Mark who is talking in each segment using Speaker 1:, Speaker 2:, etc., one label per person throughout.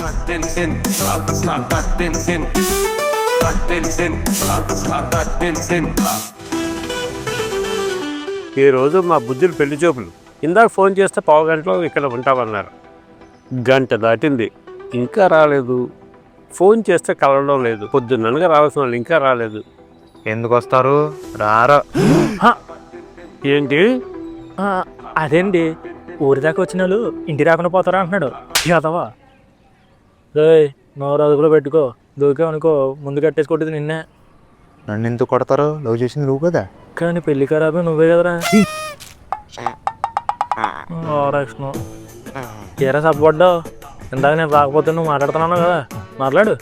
Speaker 1: ఈరోజు మా బుద్ధులు పెళ్లి చూపులు. ఇందాక ఫోన్ చేస్తే పావు గంటలో ఇక్కడ ఉంటామన్నారు. గంట దాటింది, ఇంకా రాలేదు. ఫోన్ చేస్తే కలవడం లేదు. పొద్దున్ననగా రావాల్సిన వాళ్ళు ఇంకా రాలేదు.
Speaker 2: ఎందుకు వస్తారు? రారా.
Speaker 1: ఏంటి?
Speaker 3: అదేంటి, ఊరి దాకా వచ్చిన వాళ్ళు ఇంటి రాకుండా పోతారా అంటున్నాడు. యాదవా రే, నోరు అదుపులో పెట్టుకో. దూకే అనుకో, ముందు కట్టేసి కొట్టేది నిన్నే.
Speaker 2: నన్ను ఎందుకు కొడతారు? లవ్ చేసింది నువ్వు కదా.
Speaker 3: కానీ పెళ్లి ఖరాబే నువ్వే కదరా. రక్షణ ఏరా సబ్బడ్డావు. ఇందాక నేను రాకపోతే నువ్వు మాట్లాడుతున్నాను కదా, మాట్లాడు.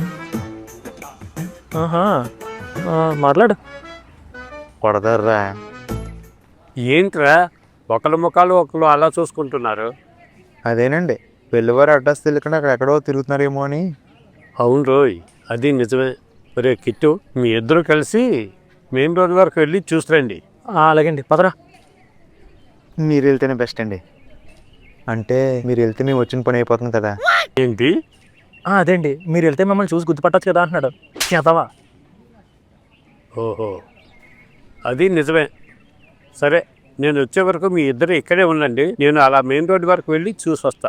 Speaker 3: మాట్లాడు.
Speaker 2: కొడతారా?
Speaker 1: ఏంట్రా ఒకళ్ళ ముఖాలు ఒకళ్ళు అలా చూసుకుంటున్నారు?
Speaker 2: అదేనండి, పెళ్లివారు అడ్రస్ తెలియకుండా అక్కడెక్కడో తిరుగుతున్నారేమో అని.
Speaker 1: అవును రోయ్, అది నిజమే. రే కిట్టు, మీ ఇద్దరు కలిసి మెయిన్ రోడ్ వరకు వెళ్ళి చూసిరండి.
Speaker 3: అలాగండి, పదరా.
Speaker 2: మీరు వెళ్తేనే బెస్ట్ అండి. అంటే మీరు వెళ్తే మేము వచ్చిన పని అయిపోతుంది కదా.
Speaker 1: ఏంటి?
Speaker 3: అదేంటి, మీరు వెళ్తే మిమ్మల్ని చూసి గుర్తుపట్టచ్చు కదా అంటున్నాడు. యాదవా.
Speaker 1: ఓహో, అది నిజమే. సరే, నేను వచ్చే వరకు మీ ఇద్దరు ఇక్కడే ఉండండి. నేను అలా మెయిన్ రోడ్ వరకు వెళ్ళి చూసి వస్తా.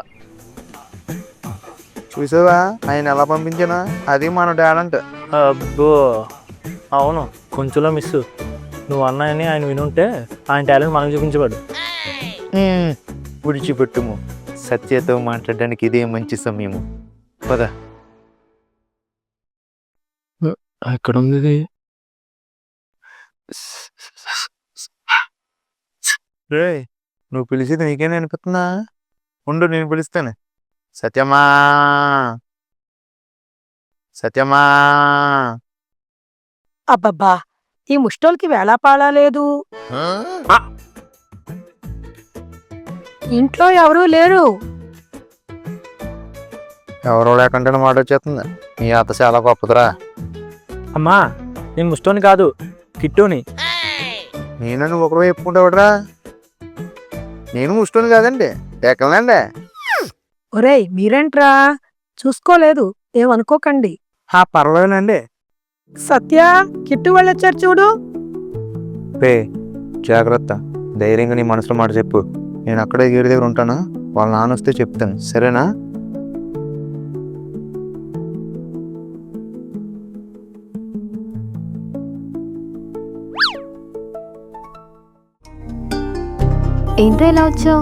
Speaker 2: చూసావా ఆయన ఎలా పంపించానా? అది మన టాలెంట్.
Speaker 3: అబ్బో అవును, కొంచెంలో మిస్. నువ్వు అన్నాయని ఆయన వినుంటే ఆయన టాలెంట్ మనకు చూపించబడు.
Speaker 2: విడిచిపెట్టుము, సత్యతో మాట్లాడడానికి ఇదే మంచి సమయము. పద.
Speaker 3: ఎక్కడ ఉంది?
Speaker 2: రే, నువ్వు పిలిచేది నీకేనే అనిపిస్తుందా? ఉండు, నేను పిలుస్తాను. సత్యమా, సత్యమా.
Speaker 4: అబ్బబ్బా, ఈ ముష్టోళ్ళకి వేళాపాళా లేదు. ఇంట్లో ఎవరూ లేరు.
Speaker 2: ఎవరో లేకుంటే మాట వచ్చేస్తుంది. నీ అత్త చాలా గొప్పదిరా.
Speaker 3: అమ్మా, నేను ముష్టోని కాదు, కిట్టోని.
Speaker 2: నేను నువ్వు ఒకరు చెప్పుకుంటావుడ్రా. నేను ముష్టోని కాదండి, ఎక్కలండి.
Speaker 4: ఒరేయ్ మీరేంట్రా, చూసుకోలేదు, ఏమనుకోకండి.
Speaker 2: పర్వాలేనండి.
Speaker 4: సత్య, కిట్టు వెళ్ళొచ్చారు చూడు.
Speaker 2: రే జాగ్రత్త, ధైర్యంగా నీ మనసులో మాట చెప్పు. నేను అక్కడే గేడి దగ్గర ఉంటాను. వాళ్ళ నాన్న వస్తే చెప్తాను, సరేనా?
Speaker 5: ఏంటో ఎలా వచ్చావు?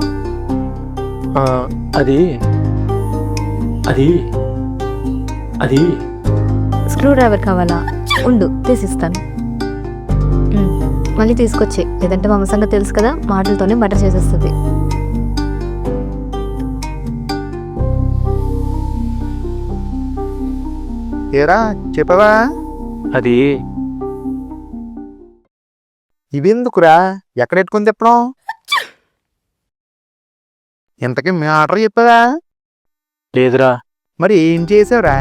Speaker 3: అది అది అది
Speaker 5: స్క్రూ డ్రైవర్ కావాలా? ఉండు, తీసిస్తాను. మళ్ళీ తీసుకొచ్చే, లేదంటే మా అమ్మ సంగతి తెలుసు కదా, మాటలతోనే మటర్ చేసేస్తుంది.
Speaker 2: ఏరా చెప్పవా?
Speaker 3: అది
Speaker 2: ఇవెందుకురా? ఎక్కడ ఎట్టుకుని తిప్పడం? ఇంతకీ మీ ఆర్డర్ చెప్పవా?
Speaker 3: లేదురా.
Speaker 2: మరి ఏం చేసావురా?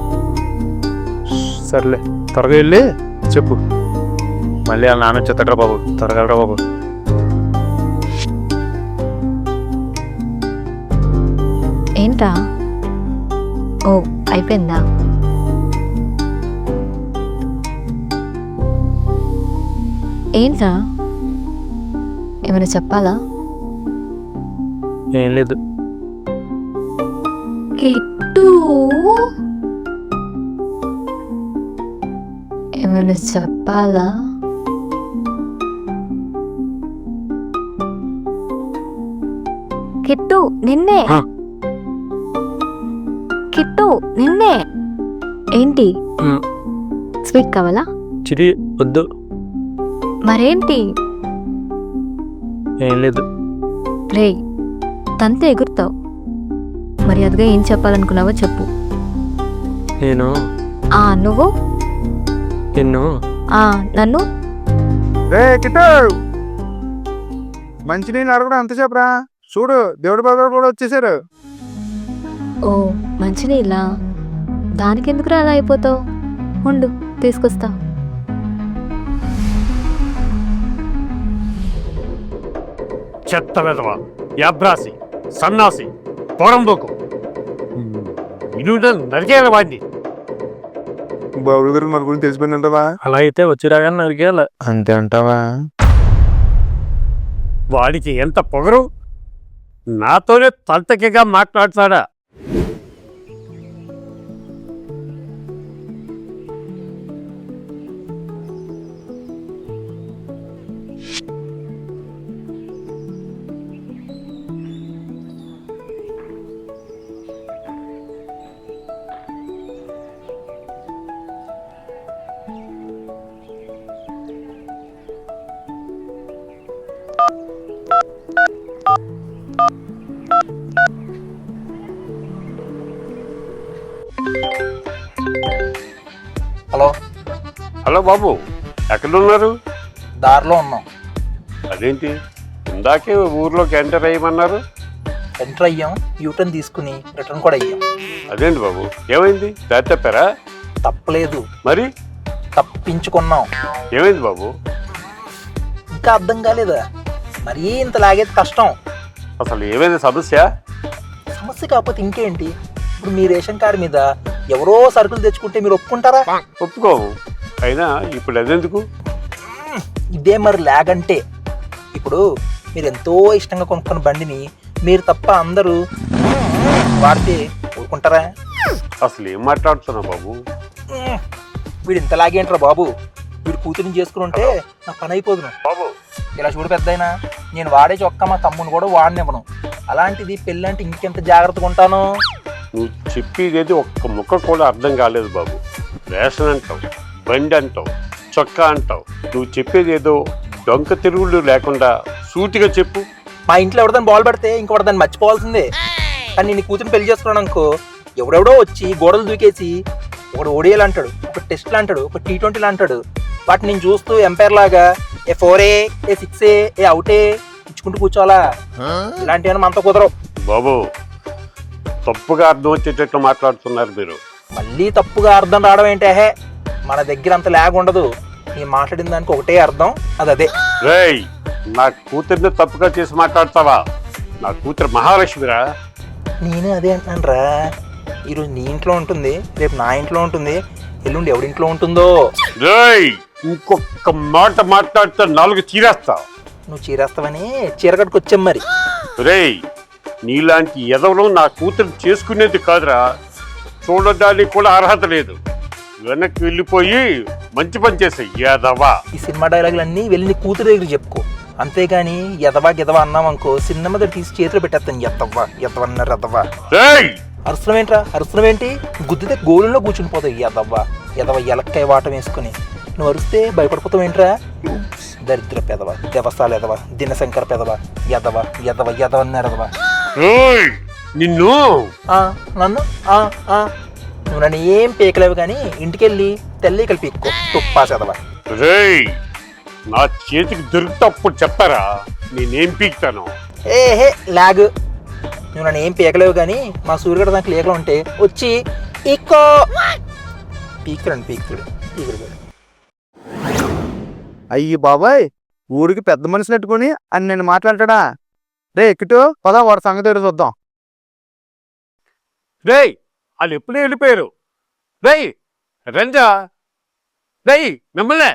Speaker 3: సర్లే, త్వరగా వెళ్ళి చెప్పు. మళ్ళీ వాళ్ళ నాన్న వచ్చేస్తాడ్రా బాబు, త్వరగా రా బాబు.
Speaker 5: ఏంట్రా? ఓ, అయిపోయిందా? ఏంట్రా, ఏమైనా చెప్పాలా?
Speaker 3: ఏం లేదు.
Speaker 5: కిట్టు, ఏమైనా చెప్పాలా? కిట్టు నిన్నే. కిట్టు నిన్నే. ఏంటి, స్వీట్ కావాలా?
Speaker 3: చిరి వద్దు.
Speaker 5: మరేంటి?
Speaker 3: ఏం లేదు.
Speaker 5: రే, తంతే ఎగురుతావు. మర్యాదగా ఏం చెప్పాలనుకున్నావో చెప్పు.
Speaker 3: నేను
Speaker 5: నువ్వు
Speaker 3: నిన్ను
Speaker 5: నన్ను
Speaker 2: రే కిట్టు, మంచినీళ్ళు అడగడం అంత చెప్పరా? చూడు, దేవుడి బాబు కూడా వచ్చేసారు.
Speaker 5: ఓ, మంచినీళ్ళా? దానికెందుకు అలా అయిపోతావు? ఉండు, తీసుకొస్తా.
Speaker 1: చెత్త వెధవ, యాబ్రాసి, సన్నాసి, పొరంబోకు. ఇల్లు నరికేయాలి వాడిని.
Speaker 2: బాబు గారు మన గురించి తెలిసిపోయిందంటావా?
Speaker 3: అలా అయితే వచ్చి రాగానే నరికేయాలి.
Speaker 2: అంతే అంటావా?
Speaker 1: వాడికి ఎంత పొగరు, నాతోనే తలతకిగా మాట్లాడతాడా?
Speaker 6: హలో,
Speaker 1: హలో బాబు, ఎక్కడున్నారు?
Speaker 6: దారిలో ఉన్నాం.
Speaker 1: అదేంటి ఇందాకే ఊర్లోకి ఎంటర్ అయ్యమన్నారు?
Speaker 6: ఎంటర్ అయ్యాం, యూటర్న్ తీసుకుని రిటర్న్ కూడా అయ్యాం.
Speaker 1: అదేంటి బాబు, ఏమైంది? దారి తప్పారా?
Speaker 6: తప్పలేదు,
Speaker 1: మరి
Speaker 6: తప్పించుకున్నాం.
Speaker 1: ఏమైంది బాబు?
Speaker 6: ఇంకా అర్థం కాలేదా? మరీ ఇంత లాగేది కష్టం.
Speaker 1: అసలు ఏమైంది సమస్య?
Speaker 6: సమస్య కాకపోతే ఇంకేంటి? ఇప్పుడు మీ రేషన్ కార్డు మీద ఎవరో సరుకులు తెచ్చుకుంటే మీరు ఒప్పుకుంటారా?
Speaker 1: ఒప్పుకోము. అయినా ఇప్పుడు అదెందుకు?
Speaker 6: ఇదే మరి లాగ్ అంటే. ఇప్పుడు మీరు ఎంతో ఇష్టంగా కొనుక్కున్న బండిని మీరు తప్ప అందరూ వాడితే ఊరుకుంటారా?
Speaker 1: అసలు ఏం మాట్లాడుతున్నావు బాబు?
Speaker 6: వీడు ఇంత లాగేంట్రా బాబు, వీడు కూతురిని చేసుకుని ఉంటే నా పని అయిపోదును.
Speaker 1: బాబు
Speaker 6: ఇలా చూడు పెద్దయినా, నేను వాడే చొక్కా మా తమ్ముని కూడా వాడినివ్వను. అలాంటిది పెళ్ళంటే ఇంకెంత జాగ్రత్తగా ఉంటాను.
Speaker 1: నువ్వు చెప్పేది ఒక్క ముక్క కూడా అర్థం కాలేదు బాబు. రేషన్ అంటావు, బండి అంటావు, చొక్కా అంటావు. నువ్వు చెప్పేది ఏదో డొంక తిరుగుళ్ళు లేకుండా సూటిగా చెప్పు.
Speaker 6: మా ఇంట్లో ఎవరిదాన్ని బాల్ పెడితే ఇంకొకటి దాన్ని మర్చిపోవాల్సిందే. కానీ నేను కూతురిని పెళ్లి చేసుకున్నాను అనుకో, ఎవడెవడో వచ్చి గోడలు దూకేసి ఒకటి ఓడియాలు అంటాడు, ఒక టెస్ట్లు అంటాడు, ఒక T20 అంటాడు. వాటిని నేను చూస్తూ ఎంపైర్ లాగా ఏ 4A, ఏ 6A, ఏ అవుటే ఇచ్చుకుంటూ కూర్చోవాలా? ఇలాంటివన్నీ మనతో కుదరవు
Speaker 1: బాబు. తప్పుగా అర్థం వచ్చేటట్లు మాట్లాడుతున్నారు మీరు.
Speaker 6: మళ్ళీ తప్పుగా అర్థం రావడం ఏంటే? మన దగ్గర అంత లాగ్ ఉండదు. నేను మాట్లాడిన దానికి ఒకటే అర్థం, అదే.
Speaker 1: రేయ్, నా కూతుర్ని తప్పుగా చేసి మాట్లాడతావా? నా కూతురు మహాలక్ష్మిరా.
Speaker 6: నేను అదే అంటున్నాను రా. ఈరోజు నీ ఇంట్లో ఉంటుంది, రేపు నా ఇంట్లో ఉంటుంది, ఎల్లుండి ఎవడింట్లో ఉంటుందో.
Speaker 1: రేయ్, ఇంకొక మాట మాట్లాడితే 4 చీరేస్తా.
Speaker 6: నువ్వు చీరేస్తావని చీరకట్టుకు వచ్చాం మరి.
Speaker 1: రేయ్, నీలాంటి ఎదవలు నా కూతురు చేసుకునేది కాదురా. చూడడానికి కూడా అర్హత లేదు. వెనక్కి వెళ్ళిపోయి మంచి పని చేసాయి ఎదవా.
Speaker 6: ఈ సినిమా డైలాగులు అన్నీ వెళ్ళి నీ కూతురు దగ్గర చెప్పుకో. అంతేగాని ఎదవా గెదవా అన్నామనుకో, సినిమా దగ్గర తీసి చేతిలో పెట్టేస్తాను. ఎత్తవ్వా ఎదవన్నారు ఎదవా.
Speaker 1: రేయ్,
Speaker 6: అరుసరం ఏంట్రా? అరుసరం ఏంటి? గుద్దితే గోళంలో కూర్చుని పోతావు. ఎదవ్వా ఎదవ ఎలక్కాయ వాటం వేసుకుని. నువ్వు అరిస్తే భయపడిపోతావు ఏంట్రా? దరిద్ర పెదవ, దేవస్థాలు ఎదవ, దినశంకర పెదవ, ఎదవ ఎదవ ఎదవన్నారు ఎదవా.
Speaker 1: రేయ్, నిన్ను
Speaker 6: నన్ను నువ్వు నన్ను ఏం పీకలేవు కానీ ఇంటికెళ్ళి తెల్లి పీక్కో తుప్పా చదవా.
Speaker 1: రేయ్, నా చేతికి దొరికినప్పుడు చెప్పారా నేనేం పీకుతాను?
Speaker 6: ఏహే లాగ్. నువ్వు నన్ను ఏం పీకలేవు కానీ మా సూర్యుడు దానికి లేకలు ఉంటే వచ్చి ఇక్కో పీకుతాడు పీకుతాడు.
Speaker 2: అయ్యి బాబాయ్, ఊరికి పెద్ద మనిషిని పెట్టుకుని అని నేను మాట్లాడతాడా? రే ఎక్కిటో పదా, వాడి సంగతి ఏదో చూద్దాం.
Speaker 1: రేయ్, వాళ్ళు ఎప్పుడే వెళ్ళిపోయారు. రేయ్ రంజా, రేయ్ మిమ్మల్నే.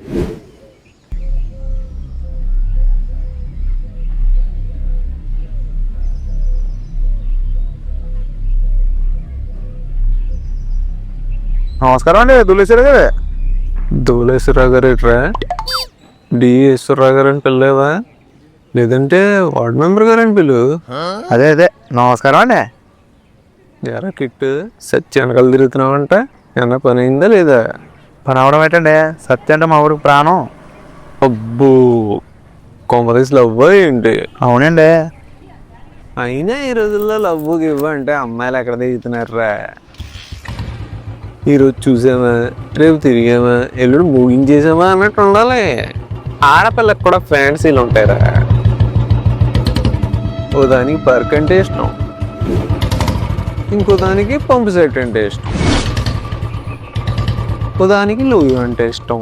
Speaker 2: నమస్కారం అండి, దులేశ్వర గారు.
Speaker 7: ధూళేశ్వరరావు గారు ఎట్రా? ఈశ్వరరావు గారు అని పిల్లలేవా? లేదంటే వార్డ్ మెంబర్ గారు అని పిలు.
Speaker 2: అదే నమస్కారం అండి.
Speaker 7: ఎరా కిట్టు, సత్య వెనకాల తిరుగుతున్నావంట. ఏమన్నా పని అయిందా లేదా?
Speaker 2: పని అవడం ఏంటండి? సత్య అంటే మా ఊరికి ప్రాణం.
Speaker 7: అబ్బో, కొంపదీసి లవ్ ఏంటి?
Speaker 2: అవునండి.
Speaker 7: అయినా ఈ రోజుల్లో లవ్ గివ్వ అంటే అమ్మాయిలు ఎక్కడ దిగుతున్నారా? ఈరోజు చూసామా, రేపు తిరిగామా, ఎల్లుడు ముగించేసామా అన్నట్టు ఉండాలి. ఆడపిల్లకి కూడా ఫ్యాన్సీలు ఉంటాయిరా. ఓ దానికి పర్క్ అంటే ఇష్టం, ఇంకో దానికి పంపు సెట్ అంటే ఇష్టం, ఓ దానికి లూయు అంటే ఇష్టం.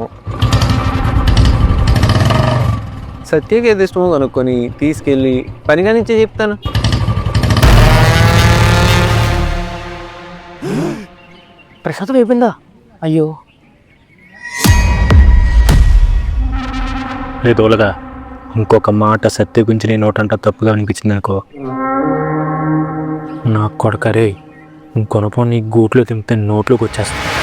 Speaker 7: సత్యకి ఏది ఇష్టమో కనుక్కొని తీసుకెళ్ళి పనిగా నుంచే చెప్తాను.
Speaker 3: ప్రసాదం అయిపోయిందా? అయ్యో రే దోలగా, ఇంకొక మాట సత్య గురించి నీ నోటంట తప్పుగా అనిపించింది అనుకో, నా కొడక రే, ఇంకొనపో నీ గూట్లో తింపితే నోట్లోకి వచ్చేస్తా.